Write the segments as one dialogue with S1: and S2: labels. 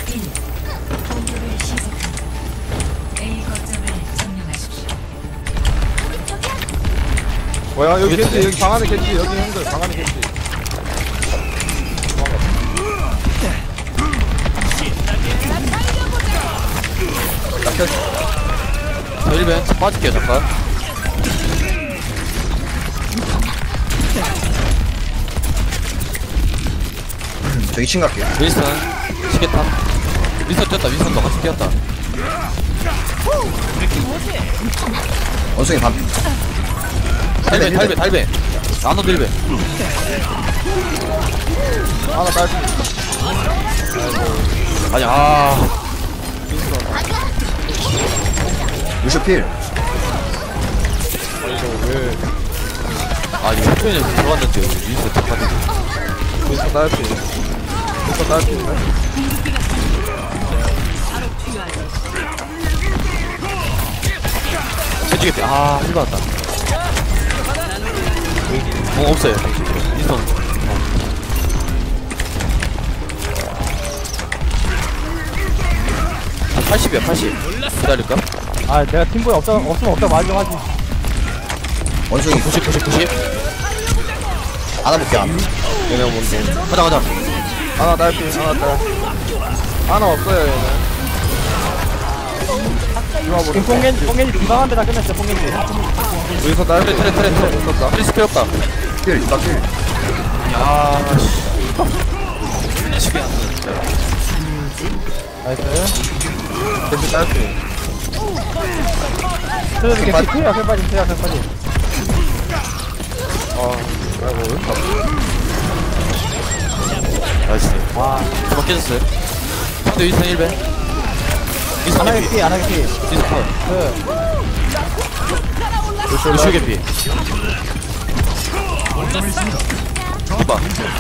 S1: 공격을 시작합니다. A 거점을 점령하십시오.
S2: 뭐야 여기 겐지 여기 방 안에 겐지 여기 형들 방 안에 겐지
S3: 저 1벤 빠질게요 잠깐.
S4: 저 2층 갈게요.
S3: 윌슨 시계탑. 윌슨 뛰었다. 윌슨도 같이 뛰었다.
S4: 원숭이 반.
S3: 달배 나노 1벤.
S2: 하나 딸피
S3: 아니
S4: 루슈 필.
S3: 아니 후편에서 들어왔는데 윌슨 잠깐.
S2: 윈스턴 딸피 윈스턴 딸피인데
S3: 해주겠대. 힐 받았다. 없어요. 윌슨. 80이야 80. 기다릴까?
S2: 아 내가 팀보에 없으면 없다 말 좀 하지
S4: 원숭이
S3: 90.
S4: 안아볼게 안.
S2: 얘네 뭔데
S3: 가자.
S2: 하나 딸피 하나 딸 하나 없어요 얘네 뽕겐지 비방한 데다 끝냈어 뽕겐지 윈스턴 딸피
S3: 트레.
S2: 있었다
S3: 필수 필요 없다.
S4: 필 이박 필.
S3: 야 씨.
S2: 나이스 겐지 딸피 트레드 겐지 피야 캔 빠짐 아이고 왜
S3: 나이스. 한번 깨졌어요. 상대 윈선 1배. 윈선
S2: 안하게
S3: 개피.
S2: 피 안하게 피
S3: 윈선 컷. 루슈 개피. 봐.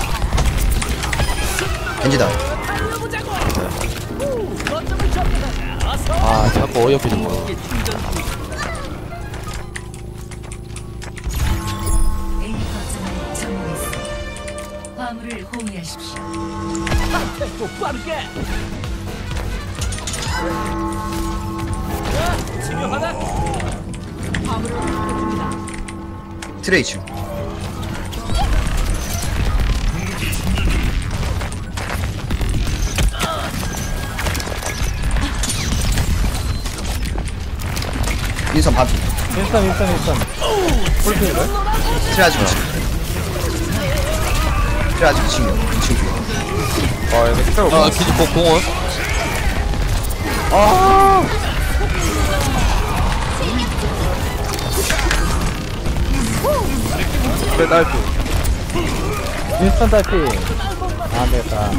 S4: 겐지다.
S3: 자꾸 어이없게 좀 봐.
S1: A 거점을 점령했습니다. 화물을 호위하십시오.
S4: 트레이 2층. 윈선 반.
S2: 윈스턴 풀피인데?
S4: 트레 아직 2층. 트레 아직 2층이요. 2층 뒤에.
S2: 얘네 스펠 없어
S3: 기지 공원.
S2: 스펠 딸피 윈스턴 딸피 안되겠다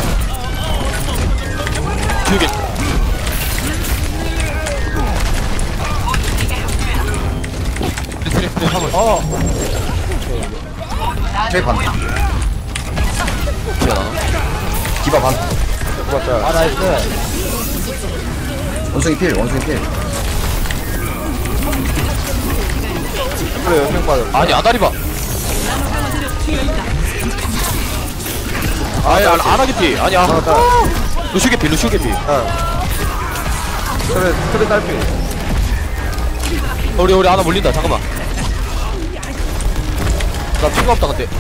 S3: 기우개. 트레 화물.
S4: 트레이 반.
S3: 기어나.
S4: 디바 반.
S2: 아 나이스
S4: 원숭이 필.
S2: 그래 연명 빠졌어
S3: 아니 아다리 봐. 안하게 피. 아니야. 루슈 개피.
S2: 트레 딸피
S3: 우리 하나 몰린다. 잠깐만. 나 피가 없다 근데.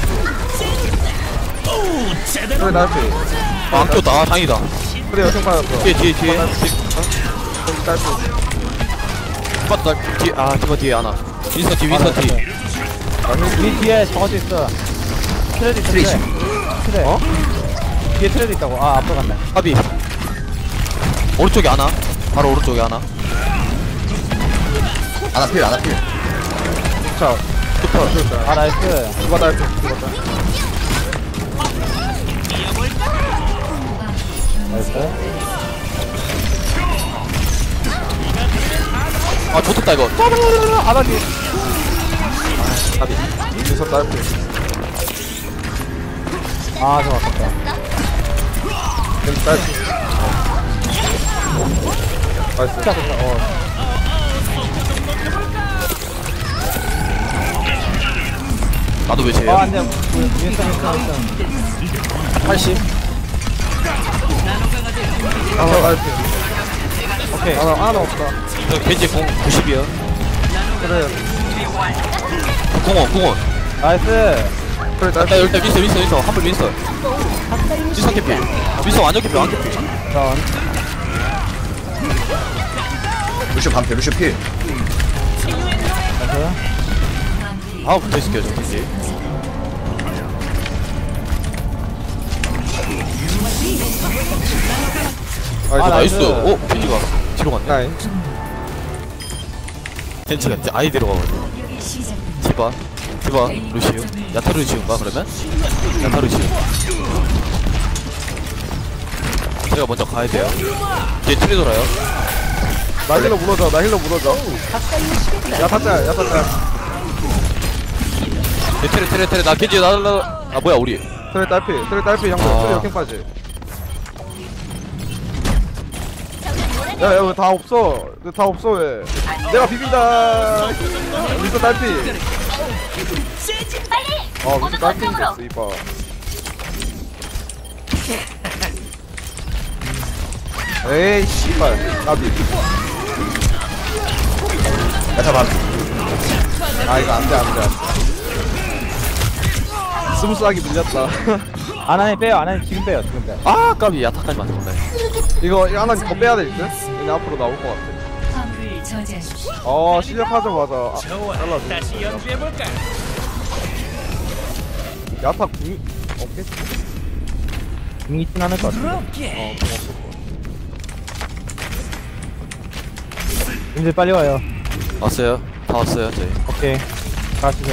S2: 트레 딸피
S3: 안 꼈다. 다행이다.
S2: 트레 연명 빠졌어
S3: 뒤에.
S2: 겐지 딸피
S3: 맞다. 뒤에 저거 뒤에 하나. 윈선 뒤.
S2: 이 뒤에 저것도 있어 트레도 있어
S4: 트레이
S2: 트레
S4: 2층.
S2: 트레 뒤에 트레도 있다고 앞으로 갔네
S3: 까비. 오른쪽에 하나. 바로 오른쪽에 하나.
S4: 안아 필.
S2: 자 슈퍼 나이스 누가 딸피 나이스
S3: 좋겠다 이거.
S2: 안하기
S3: 까비.
S2: 윈스턴 딸피 좀 아깝다 겐지 딸피 나이스 진짜 좋다
S3: 나도 왜 쟤야?
S2: 안돼 윈스턴
S3: 80.
S2: 나이스. 오케이. 하나 없다.
S3: 저 겐지 공 90이요.
S2: 그래.
S3: 공원.
S2: 나이스. 그래,
S3: 나
S2: 나이스.
S3: 일단 윈서. 한번 윈서. 윈서 캐피. 윈서 완전 캐피.
S2: 자,
S4: 루시오 반패 루시오 필
S2: 나이스.
S3: 아, 붙어있을게요, 저 겐지. 나이스. 오, 겐지가 뒤로 갔네.
S2: 나이.
S3: 겐지가 이제 아예 들어가거든.
S1: 공격이 시작됩니다.
S3: 디바, 루시우. 야타 루시우인가, 그러면? 야타 루시우. 제가 먼저 가야 돼요. 뒤에 트리 돌아요.
S2: 나 힐러 물어줘. 야, 탔다.
S3: 트레, 나 겐지, 아, 뭐야, 우리.
S2: 트레 딸피, 형들.
S3: 아.
S2: 트레 역행 빠지. 야, 여기 다 없어. 왜. 내가 비빈다. 미스터 딸피. 미스터 딸피 됐어, 이봐. 에이, 씨발. 나비.
S4: 야타 반패
S2: 아, 이거 안 돼. 스무스하게 밀렸다.
S5: 아나님 지금 빼요.
S3: 아, 까비, 야타까지 맞췄네.
S2: 이거 하나 더 빼야 될 듯? 그냥 앞으로 나올 것 같아.
S1: 화물을 저지하십시오.
S2: 시작하자마자 잘라줘.
S5: 다시 연주해볼까?
S2: 야타 궁이 없겠지?
S5: 궁이 있진 않을 것 같아. 님들 빨리 와요.
S3: 왔어요. 다 왔어요, 저희.
S5: 오케이. 가시죠.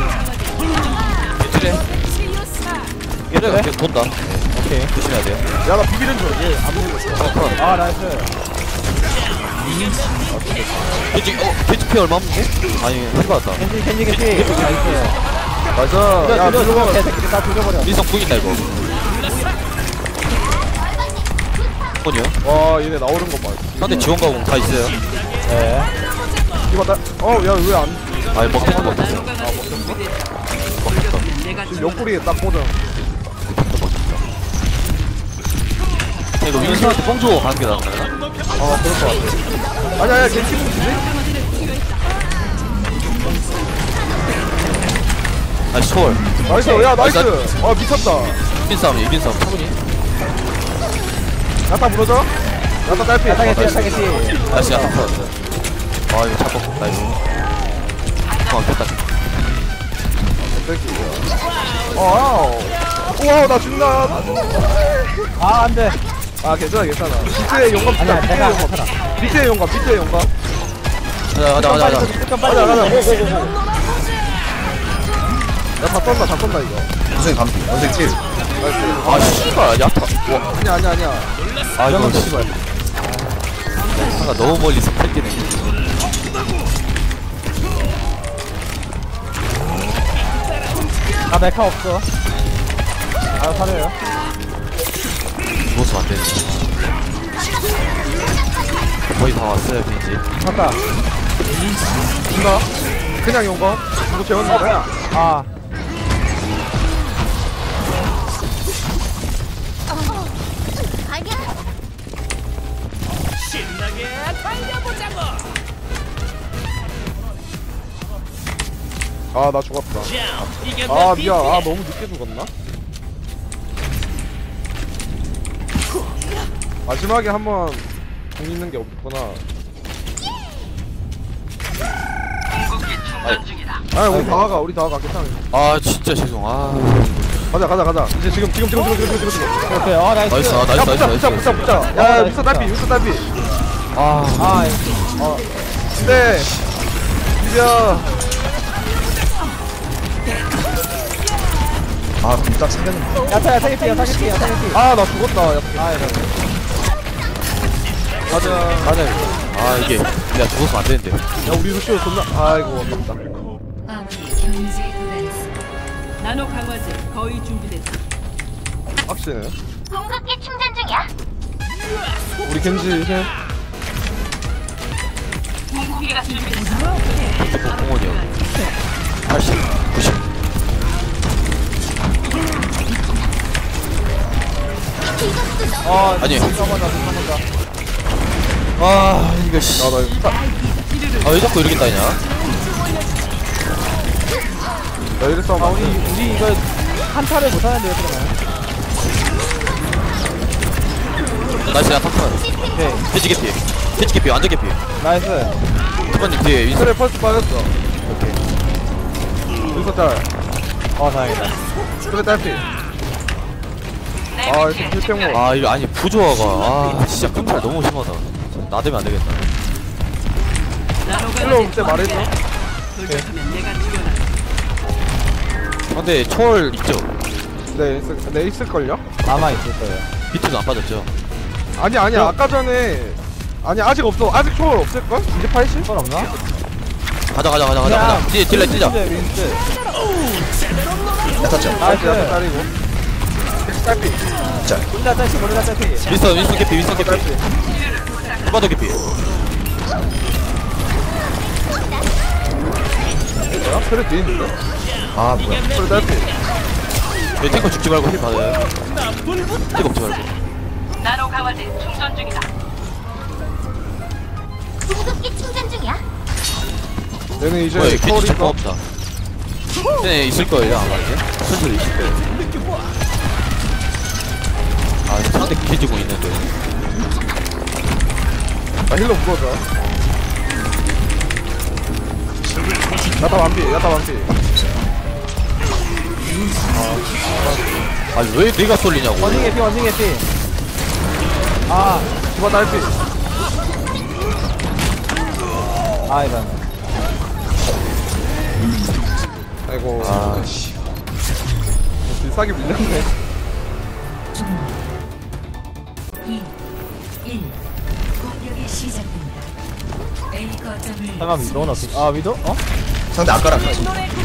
S3: 트레. 얘네가 계속 돈다.
S5: 오케이.
S3: 조심해야 돼요.
S2: 야, 나 비비는 줄. 얘안 보고.
S5: 아, 나이스.
S3: 겐지 피 얼마 없는데? 아니, 힐 받았다.
S5: 캔디. 나이스.
S2: 나이스. 야, 들어가.
S5: 새끼들 다 죽여버려.
S3: 민성 궁 있다, 이거. 뭐냐?
S2: 와, 얘네 나오는 거 봐.
S3: 상대 지원 가공 다 있어요.
S5: 네.
S2: 이거 나, 야, 왜 안,
S3: 아니, 먹혔어, 먹혔어.
S2: 지금 옆구리에 딱 꽂아.
S3: 이거 윈스한테 뽕 주고 가는 게 낫나?
S2: 그럴 것 같아. 아니야, 걔 팀은 지지?
S3: 아, 초월.
S2: 나이스, 야, 나이스. 미쳤다.
S3: 이긴 싸움, 차분히.
S2: 야타 물어줘? 야타 딸피.
S5: 야타겠지.
S3: 다시 야타 풀었어. 아, 이거 잡고, 나이스. 됐다.
S2: 와우. 우와, 나 죽나.
S5: 아, 안 돼.
S2: 아, 괜찮아. 비트의 용감,
S5: 아니야,
S2: 비트의
S5: 내가
S2: 용감. 비트의 용감.
S3: 가자.
S5: 잠깐
S2: 가자.
S5: 빨리.
S2: 고고고. 야다 떤다 이거.
S4: 원숭이 반패 원숭이 필
S2: 나이스.
S3: 아, 씨발, 야타. 와,
S2: 아니야.
S3: 아, 이거
S2: 이러면
S3: 씨발. 하나 너무 멀리서 펼기네.
S5: 아, 메카 없어. 아, 사려요.
S3: 누워서 안 되네. 거의 다 왔어요, 겐지.
S5: 잠깐.
S2: 인가? 그냥 용감? 이거 재웠는 거야?
S5: 아.
S2: 아, 나 죽었다. 아, 미안. 아, 너무 늦게 죽었나? 마지막에 한번 공 있는 게 없구나. 우리 다 가. 괜찮아.
S3: 아, 진짜 죄송. 아,
S2: 가자. 이제 지금.
S5: 오케이. 아, 나이스.
S3: 나이스,
S2: 야, 붙자. 야, 미스터 딸피.
S3: 아,
S5: 아,
S2: 네. 비벼.
S4: 아 그럼 딱 생겼는데
S5: 야타야, 타겟이야.
S2: 아, 나 죽었다. 야, 가자.
S3: 아, 이게 내가 죽었으면 안 되는데.
S2: 야, 우리 루시오 존나. 아이고, 아깝다.
S1: 화물이 경지에 도달했습니다.
S6: 나노 강화제 거의 준비됐다.
S2: 확실해.
S7: 공급기 충전 중이야.
S2: 우리 겐지 힐.
S3: 핸드폰 공원이요. 80, 90. 아니.
S5: 잠깐만.
S3: 아, 이거 씨. 아, 왜 자꾸 이렇게 따냐?
S2: 나 이래 싸움 안 돼.
S5: 우리 이거 한타를 못하는데요, 그러면.
S3: 나이스, 야, 탑판.
S5: 오케이.
S3: 피지 개피. 피지 개피, 완전 개피.
S5: 나이스.
S3: 탑판님 뒤에 윈스.
S2: 그래 펄스 빠졌어. 오케이. 여기서 딸.
S5: 다행이다.
S2: 그래 딸피. 아 이거 필평모.
S3: 아, 이거 아니, 부조화가. 아, 진짜 끝발 너무 심하다. 나대면 안 되겠다.
S6: 나노
S2: 힐러 올
S6: 강화제
S2: 때 말해줘.
S6: 돌격하면 내가 죽여놔.
S3: 근데 초월 있죠?
S2: 네 있을걸요?
S5: 남아있을 거예요.
S3: 비트도 안 빠졌죠?
S2: 아니 아까 전에 아니 아직 없어. 아직 초월 없을걸? 이제 80?
S5: 건 없나?
S3: 가자. 뒤에 딜러 뛰자.
S5: 윈스.
S4: 야타 짤.
S2: 나이스
S5: 나이스.
S2: 딸이고. 딸피.
S4: 짤.
S5: 골라 딸피, 골라 딸피.
S3: 윈스턴 개피. 후바도 개피.
S2: 뭐야? 그래 뒤에 있는데?
S4: 아 뭐야.
S2: 그래 딸피.
S3: 왜 탱커 죽지 말고 힐 받아요. 힐 먹지 말고.
S6: 나노 강화제 충전 중이다.
S7: 궁극기 충전 중이야.
S2: 얘는 이제
S3: 뭐야,
S2: 초월이
S3: 겐지 잠깐
S2: 있어.
S3: 없다. 쟤네 있을 거예요, 아마 이제. 선수로 있을 거예요. 아, 상대 겐지공 있는데.
S2: 나 힐러 무거워져. 야타 완피.
S3: 아, 왜 내가 쏠리냐고.
S5: 원숭이 개피. 아,
S2: 디바 딸피.
S5: 이런.
S2: 아이고.
S3: 아,
S2: 비싸게 밀렸네.
S1: 2, 1. 공격이 시작됩니다. A 거점을
S5: 잠깐 위도는 어떻게? 위도?
S4: 상대 아까랑 같이.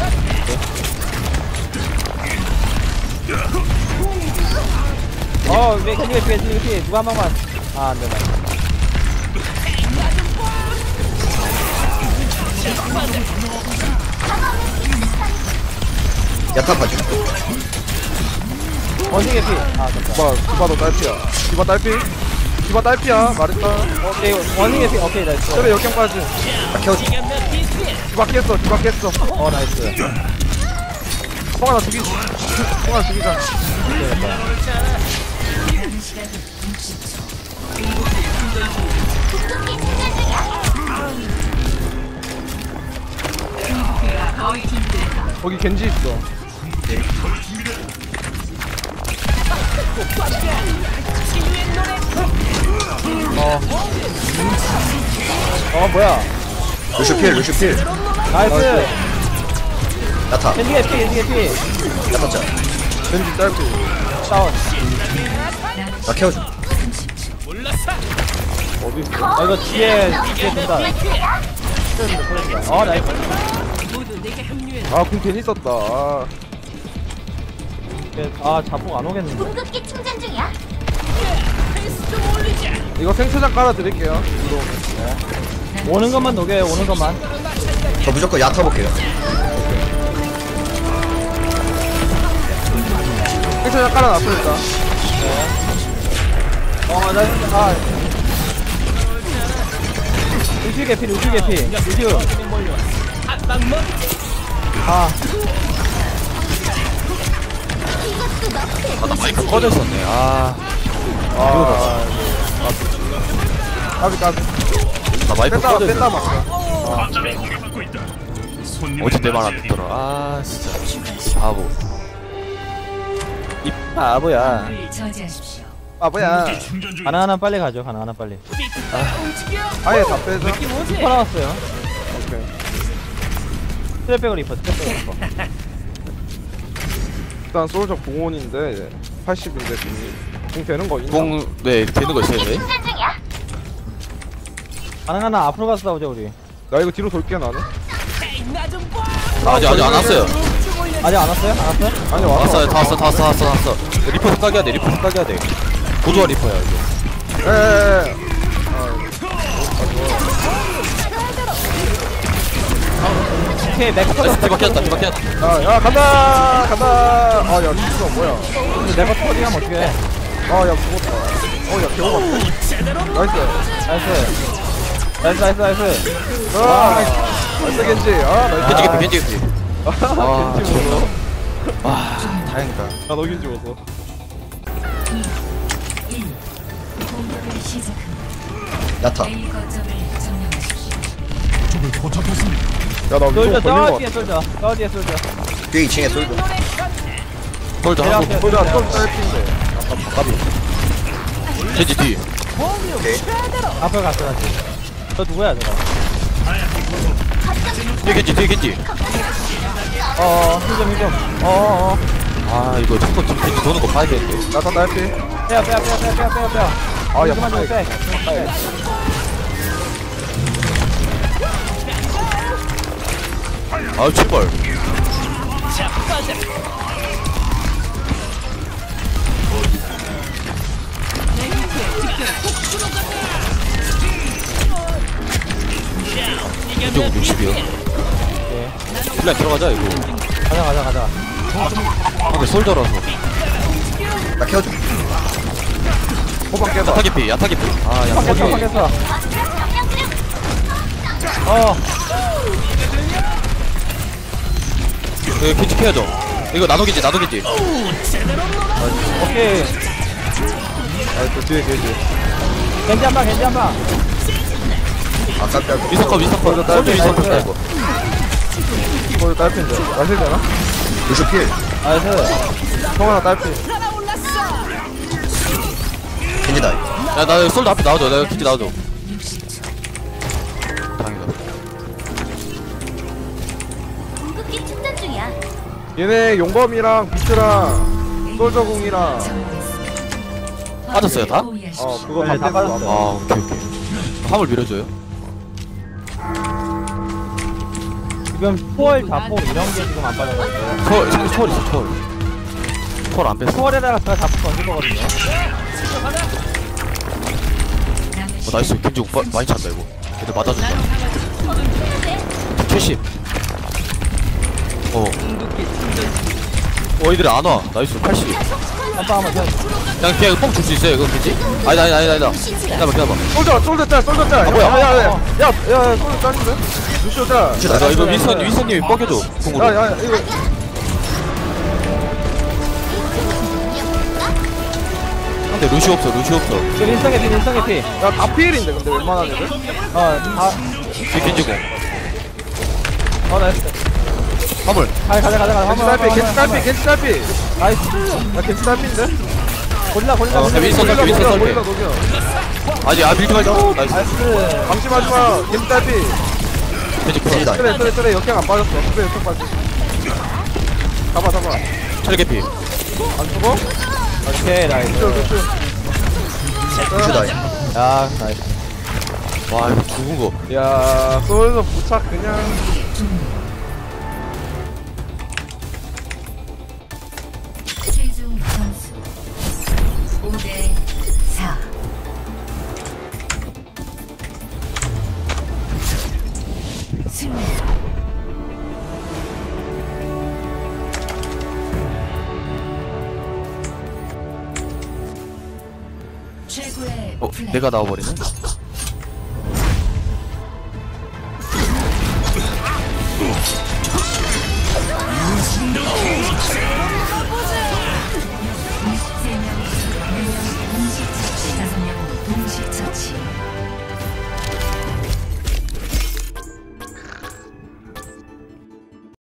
S5: 왜 겐지 누가 한 방만. 안 된다.
S4: 야타 봐줘.
S5: 원숭이 개피.
S2: 디바도 딸피야. 디바 딸피야. 말했다.
S5: 오케이, 원숭이 개피. 오케이, 나이스.
S2: 그래 역경까지.
S4: 나 키워줘.
S2: 디바 깼어.
S5: 나이스.
S2: 송하나 죽이자. 거기 겐지 있어.
S5: 뭐야.
S4: 루슈 필.
S5: 나이스.
S4: 야타.
S5: 겐지 개피.
S4: 야타 짤.
S2: 겐지 딸피.
S5: 다운.
S4: 나 키워줘.
S2: 어디 있어?
S5: 이거 뒤에 돈다. 나이스.
S6: 모두 내게 합류해.
S2: 공 괜히 썼다.
S5: 자폭 안 오겠는데.
S7: 궁극기 충전 중이야.
S2: 이거 생초장 깔아드릴게요.
S5: 오는 것만 녹여요, 오는 것만.
S4: 저 무조건 야타 볼게요.
S2: 생초장 깔아놨어 일단.
S5: 루시 개피. 루시.
S3: 나 마이크 꺼져 있었네.
S2: 까비.
S3: 나 마이크 꺼져
S2: 뺐다
S3: 있었네.
S2: 막.
S3: 어제 내 말 안 듣더라. 진짜. 바보. 이 바보야.
S1: 을 저지하십시오.
S2: 뭐야?
S5: 하나하나 빨리 가죠, 빨리.
S2: 아예 다 빼자.
S5: 리퍼 나왔어요.
S2: 오케이.
S5: 트랩백을 리퍼.
S2: 일단 솔저 공원인데 80인데 공 되는 거 있나?
S3: 네, 되는 거 있어야 돼.
S7: 충전 중이야.
S5: 하나 앞으로 가서 싸우자, 우리.
S2: 나 이거 뒤로 돌게 나는.
S3: 아직 안 왔어요.
S5: 아직 안 왔어요?
S2: 아니
S3: 다 왔어. 리퍼 흑각해야 돼. 고조화 리퍼야, 이거.
S2: 에에에.
S5: 오케이, 맥커
S3: 나이스, 디바 켰다.
S2: 야 간다. 야 진짜 뭐야?
S5: 근데 내가 터지면 어떡해.
S2: 아야 죽었다. 어야 개오바. 나이스.
S5: 나이스.
S2: 나이스 겐지. 나이스.
S3: 겐지 개피 겐지 개피.
S2: 겐지 먹어.
S3: 와 다행이다.
S2: 나 너긴 죽었어.
S1: 1. 공격을 시작합니다.
S4: 야타.
S1: A 거점을 점령하십시오.
S2: 야나
S5: 솔져,
S2: 위로 걸린 거
S5: 뒤에
S2: 같아.
S5: 뒤에 솔져.
S4: 뒤에 2층에 솔드.
S3: 솔저 하고
S2: 소리야 또 짧은데.
S3: 겐지 뒤.
S4: 오케이.
S5: 앞에 갔어, 다시. 저 누구야, 저거?
S3: 뒤에 겐지.
S5: 힐좀.
S3: 아 이거 자꾸 지금 겐지 도는 거 봐야 되는데.
S2: 야타 딸피.
S5: 빼.
S2: 아야
S5: 그만 좀 빼.
S3: 아우 제발. 이쪽 60이요. 플랜 들어가자 이거.
S5: 가자.
S3: 근데 솔저라서.
S4: 나 케어줘.
S2: 호박 깨봐.
S3: 야타 개피. 아 야타 개피.
S5: fak했어.
S3: 이거 겐지 케어줘. 이거 나도 겐지.
S5: 오케이.
S2: 아또 뒤에 겐지.
S5: 겐지 한 방.
S4: 아 깜짝.
S3: 미스터 솔저 미스터 컷 이거.
S2: 거기 딸피인데. 나실 되나?
S4: 루슈 필.
S5: 나이스.
S2: 성환아 딸피.
S4: 겐지다.
S3: 야나 솔저 앞에 나와줘. 나 겐지 나와줘.
S1: 60초.
S3: 다행이다.
S7: 궁극기 충전 중이야.
S2: 얘네 용검이랑 비트랑 솔저궁이랑
S3: 빠졌어요, 다?
S2: 그거
S5: 네, 다
S2: 다
S5: 빠졌어요.
S3: 아 오케이. 화물 밀어줘요.
S5: 지금 초월, 자폭 이런 게 지금 안 빠져가지고.
S3: 초월 있어 초월. 초월 안 뺐어.
S5: 초월에다가 제가 자폭 던질 거거든요.
S3: 나이스. 겐지 오빠 많이 찬다 이거. 얘들 맞아준다. 70. 얘들이 안 와. 나이스. 80.
S5: 한방 한번 쳐.
S3: 그냥 뽕 줄 수 있어요 이거 겐지? 아니다. 기다려봐.
S2: 솔저 짤.
S3: 뭐야?
S2: 야야야 솔저 짤인데? 루시오 짤.
S3: 나 이거 윈스턴님이 뻐겨줘. 궁으로.
S2: 야야 이거
S3: 근데 루시 없어.
S5: 저 윈스턴 피.
S2: 야다 피일인데 근데 웬만한 애들?
S3: 뒤에 겐지고.
S5: 나이스.
S3: 화물.
S5: 가자.
S2: 겐지 딸피.
S5: 나이스.
S2: 야 겐지 딸피인데?
S5: 골라.
S3: 윈스턴
S2: 녹여,
S3: 윈스턴 썰게.
S2: 녹여.
S3: 아니 밀지 말자. 나이스.
S5: 나이스.
S2: 방심하지마. 겐지 딸피.
S3: 겐지 풀어.
S4: 겐지다.
S2: 그래 역행 안 빠졌어. 그래 역행 빠졌어. 잡아
S3: 트랙 개피.
S2: 안 죽어?
S5: 오케이, 나이스.
S2: 루시오
S4: 루슈다.
S5: 야, 나이스.
S3: 와 이거 죽은 거.
S2: 야 솔저 부착 그냥
S1: 최종 점수 5대 4. 승리. 최고의 플레이.
S3: 내가 나와버리네.